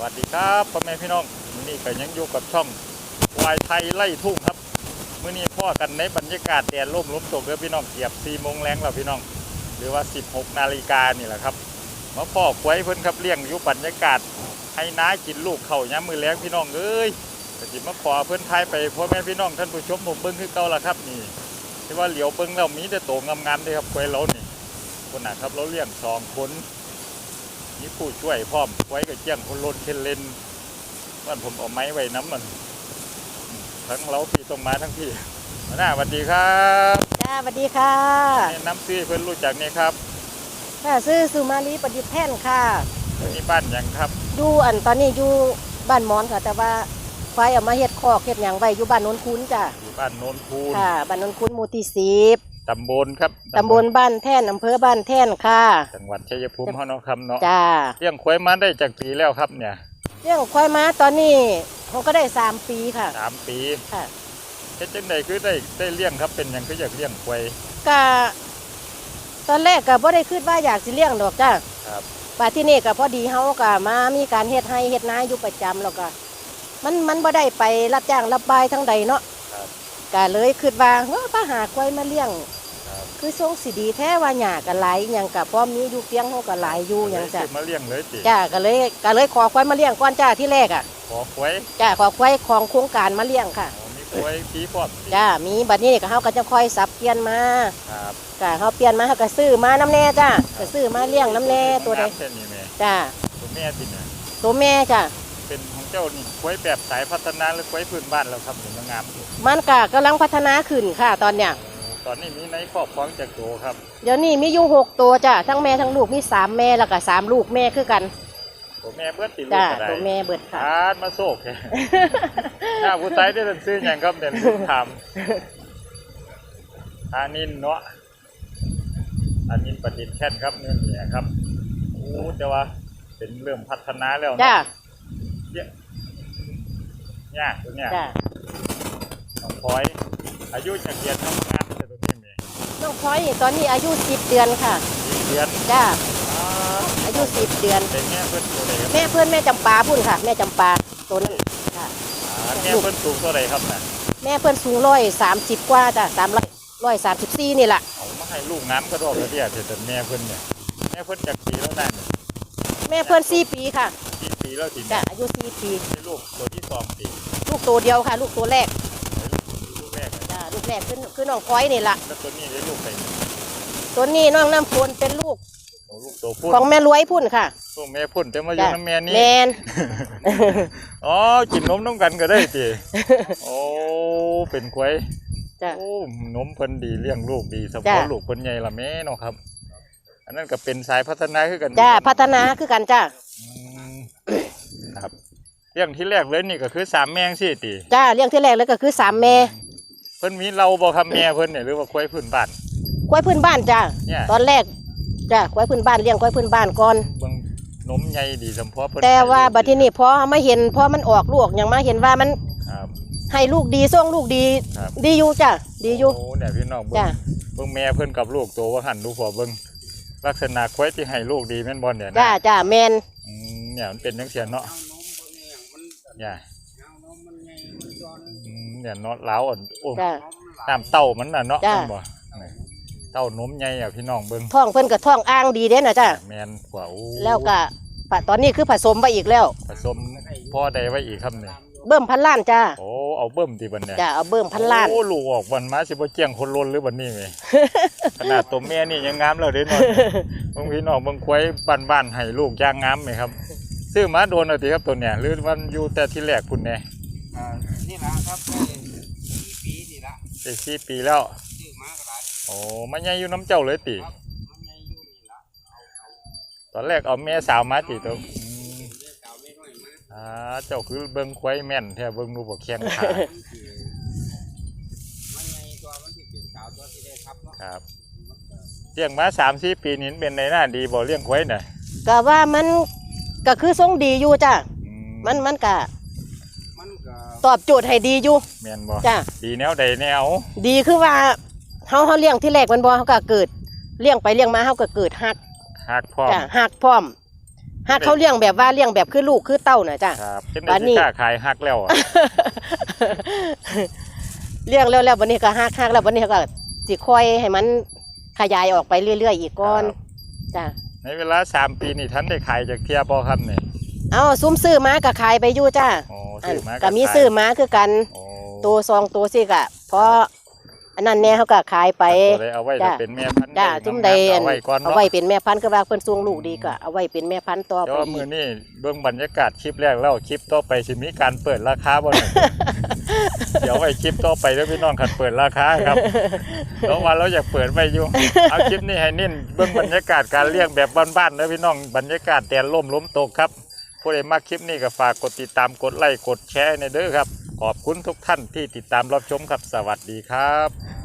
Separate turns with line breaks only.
วัสดีครับพ่อแม่พี่น้องมื้อนี้ก็ยังอยู่กับช่องวายไทยไล่ทุ่งครับมื้อนี้พ่อกันในบรรยากาศแดดร่มลมตกเด้อพี่น้องเกียบ4 โมงแรงแล้วพี่น้องหรือว่า16 นาฬิกานี่แหละครับมาพ่อควยเพิ่นครับเลี้ยงอยู่บรรยากาศให้น้ากินลูกเข่ายามมื้อแรงพี่น้องเอ้ยก็สิมาขอเพิ่นทายไปพ่อแม่พี่น้องท่านผู้ชมผมเบิ่งคือเก่าล่ะครับนี่ที่ว่าเหลียวเบิ่งแล้วมีแต่โตงามๆเด้ครับควยเรานี่คนน่ะครับเราเลี้ยง2 คนมีผู้ช่วยพร้อมไว้กับเจียงคนลนเคนเลนว่าผมเอาไม้ไว้น้ำมันทั้งเราพี่ตรงมาทั้งพี่หัวหน้าสวัสดีครับ
จ้าสวัสดีค่ะ
แนะนำซื้อเพื่อนรู้จักนี่ครับ
ค่ะซื้อสุมาลีประดิษฐ์แท่นค่ะ
นี่บ้านยังครับ
อยู่ตอนนี้อยู่บ้านมอนค่ะแต่ว่าควายเอามาเฮ็ดคอกเฮ็ดหยังไว้อยู่บ้านโนนคุ้นจ้ะ
อยู่บ้านโนนคูน
ค่ะบ้านโนนคุ้นหมู่ที่10
ตำบลครับ
ตำบลบ้านแท่นอำเภอบ้านแท่นค่ะ
จังหวัดชัยภูมิเฮาเนาะครับเนาะ
จ้า
เลี้ยงควายมาได้จากปีแล้วครับเนี่ย
เลี้ยงควายมาตอนนี้เขาก็ได้3 ปีค่ะ
3 ปี
ค่ะ
เฮ็ดจังได๋คือได้เลี้ยงครับเป็นหยังคืออยากเลี้ยงควาย
ก็ตอนแรกก็บ่ได้คิดว่าอยากสิเลี้ยงดอกจ้า
ครับ
ป่าที่นี่ก็พอดีเฮาก็มามีการเฮ็ดให้เฮ็ดนาอยู่ประจำแล้วก็มันบ่ได้ไปรับจ้างรับบายทั้งใดเนาะก็เลยคิดว่าป้าหาควายมาเลี้ยงคือทรงสิดีแท้ว่าหญ้าก็หลายหยังก็พอมีอยู่เพียงเฮาก็หลายอยู่หยังจ้ะ
มาเลี้ยงเลยติ
จ้าก็เลยขอควายมาเลี้ยงก่อนจ้าที่แรกอ่ะ
ขอควาย
จ้าขอควายของโครงการมาเลี้ยงค่ะ
มีควายพี่พร้อม
จ้ามีบัดนี้ก็เฮาก็จะค่อยสับเปลี่ยนมา
ครับ
ก็เฮาเปลี่ยนมาเฮาก็ซื้อมาน้ำแน่จ้าก็ซื้อมาเลี้ยงน้ำแน่ตัวใดจ้า
ตัวแม่ติเนี่ย
ตัวแม่จ้า
เป็นของเจ้านี่ควายแบบสายพัฒนาหรือควายพื้นบ้านแล้วครับเห็นงาม
มันก็กำลังพัฒนาขึ้นค่ะตอนเนี้ย
ตอนนี้มีในครอบครองจากโตครับ
เดี๋ยวนี้มีอยู่6 ตัวจ้ะทั้งแม่ทั้งลูกมี3 แม่แล้วก็3 ลูกแม่คือกัน
ตัวแม่เบิดติลูก
จ้ะ
อะไร
ตัวแม่เบิดค่ะ
มาโศกหน้าผู้ชายได้เป็นซื้ออย่างครับเด่นถามอานินเนาะอานินประดิษฐ์แค่นครับเนี่ยครับโอ้แต่ว่าเป็นเริ่มพัฒนาแล้ว
จ้ะ
เนี่ยตัวเนี้ย
จ้ะ
น้องพลอยอายุจะเกียรติทำงานแต่ตัวนี้มี
น้องพลอยตอนนี้อายุ10 เดือนค่ะ
10 เดือน
จ้ะอายุ10 เดือน
เป็นแม่เพื่อนตัวไหนครับ
แม่เพื่อนแม่จำปาพุ่นค่ะแม่จำปาตัวนี้ค่ะ
แม่เพื่อนสูงตัวไหนครับน่ะ
แม่เพื่อนสูง130 กว่าจ้ะ134นี่แหละ
เอามาให้ลูกน้ำก็ดอกกระเดียดแต่แม่เพื่อนเนี่ยแม่เพื่อนจากปีแล้วนั่น
แม่เพื่อน4 ปีค่ะ
4 ปีแล้วที
จ้ะอายุ4 ปี
ลูกตัวที่2 ปี
ลูกตัวเดียวค่ะลูกตัวแรก
ลูกแรก
จ้ะลูกแรกคือน้องพลอยนี่แหละ
แล้วตัวนี้ได้ลูกใคร
ตัวนี้น้องน้ำพลเป็นลูก
ตัว
ของแม่รวยพุ่นค่ะ
ตัวแม่พุ่นแต่มาอยู่น้ำแม่นี่
แมน
อ๋อกินนมน้ำกันก็ได้ทีโอ้เป็นควายโอ้นมเพิ่นดีเลี้ยงลูกดีสปอร์ตลูกเพิ่นใหญ่ละแม่เนาะครับอันนั้นก็เป็นสายพัฒนาคือกัน
จ้าพัฒนาคือกันจ้า
ครับเลี้ยงที่แรกเลยนี่ก็คือ3 แม่สิติ
จ้าเลี้ยงที่แรกเลยก็คือ3 แม่
เพิ่นมีเราบ่ครับแม่เพิ่นเนี่ยหรือว่าควายพื้นบ้าน
ควายพื้นบ้านจ้าตอนแรกจ้าควายพื้นบ้านเลี้ยงควายพื้นบ้านก่อน
เบิ่งนมใหญ่ดีสมพอเพิ่น
แต่ว่าบัดทีนี้พอมาเห็นพอมันออกลูกอย่างมาเห็นว่ามันให้ลูกดีส่งลูกดีดีอยู่จ้าดีอยู่
โอ้เนี่ยพี่น้องเบิ่งแม่เพิ่นกับลูกโตว่าหันดูพอเบิ่งลักษณะควายที่ให้ลูกดีแม่นบ่เนี่ยนะ
จ้าแม่น
เนี่ยมันเป็นจังซี่เนาะเนี่ยเนี่ยเนาะล้าวอ่อนโอ้ตามเต้ามันน่ะเนาะบ่เต้านมใหญ่อ่ะพี่น้องเบิ่ง
ท้องเพิ่นก็ท้องอ่างดีเด้น่ะจ้า
แม่นกว่า
แล้วก็ตอนนี้คือผสมไปอีกแล้ว
ผสมพ่อใดไว้อีกครับเนี่ย
เบิ่มพันล้านจ้า
โอ้เอาเบิ่มที่บัดเนี่ย
จ้าเอาเบิ่มพันล้าน
โอ้ลูกออกวันมาสิบ่เจียงคนล้นหรือบัดนี้แม่ขนาดตัวแม่นี่ยังงามแล้วเด้เนาะเบิ่งพี่น้องเบิ่งควายบ้านๆให้ลูกย่างงามไหมครับซื้อมาโดนเอาติครับตัวเนี่ยหรือมันอยู่แต่ที่แรกพุ่นแน่
นี่ล่ะครับ4 ปีนี่ล่ะ
ได้4 ปีแล้ว
ซื้อมาก็ได้
โอ้มันใหญ่อยู่น้ำเจ้าเลยติ
มันใหญ่อยู่นี่ล่ะ
ตอนแรกเอาแม่สาวมาติตัวเจ้าคือเบิ่งควายแม่นแท้เบิ่งดูบ่แข็งขา
มันใหญ่ตัวมันสิเป็นสาวตัวที่ได้ครับเนาะ
ครับเลี้ยงมา3-4 ปีนี่เป็นในหน้าดีบ่เลี้ยงควายน่ะ
ก็ว่ามันก็คือทรงดีอยู่จ้ะมันก็ตอบโจทย์ให้ดีอยู่
แม่นบ่
จ้ะ
ดีแนวใดแนว
ดีคือว่าเฮาเลี้ยงที่แรกมันบ่เฮาก็เกิดเลี้ยงไปเลี้ยงมาเฮาก็เกิดฮัก
พร้อม
จ้ะฮักพร้อมหากเขาเลี้ยงแบบว่าเลี้ยงแบบคือลูกคือเต้าน่ะจ้ะ
ครับเป็น
บั
ได้
ดนี้
สิกล้าขายฮักแล้วอะ
เลี้ยงแล้ววันนี้ก็หักแล้ววันนี้ก็สิค่อยให้มันขยายออกไปเรื่อยๆอีกก่อน
ครับ
จ้ะ
ในเวลา3 ปีนี่ท่านได้ขายจากเทียบ่ครับนี่
เอาซุ้มซื้อมาก็ขายไปอยู่จ้ะ
โอ้
อัน
ซื้อมา
ก็มี
ขาย
ซื้อมาคือกัน
โอ้
ตัวซองตัวสิกะเพราะอันนั้นแน่เขาก็ขายไป
ตัวใดเอาไว้
จ้ะ
จะเป็นแม่พันธุ์
จ้ะ
ได้
จุ่มใด
เอาไว้ก่อน
เอา
เนาะ
ไว้เป็นแม่พันธุ์คือว่าเพิ่นส่งลูกดีก็เอาไว้เป็นแม่พันธุ์ต่อ
เดี๋
ไป
ยว
อี
มื้อก นี้เบิ่งบรรยากาศคลิปแรกแล้วคลิปต่อไปสิมีการเปิดราคาบ่ เนี่ย เดี๋ยวไว้คลิปต่อไปเด้อพี่น้องคันเปิดราคาครับ เพราะว่าเราอยากเปิดไว้อยู่ เอาคลิปนี้ให้เน้นเบิ่งบรรยากาศการเลี้ยงแบบบ้านๆเด้อพี่น้องบรรยากาศแดดร่มลมตกครับผู้ใดมาคลิปนี้ก็ฝากกดติดตามกดไลค์กดแชร์ในเด้อครับขอบคุณทุกท่านที่ติดตามรับชมครับสวัสดีครับ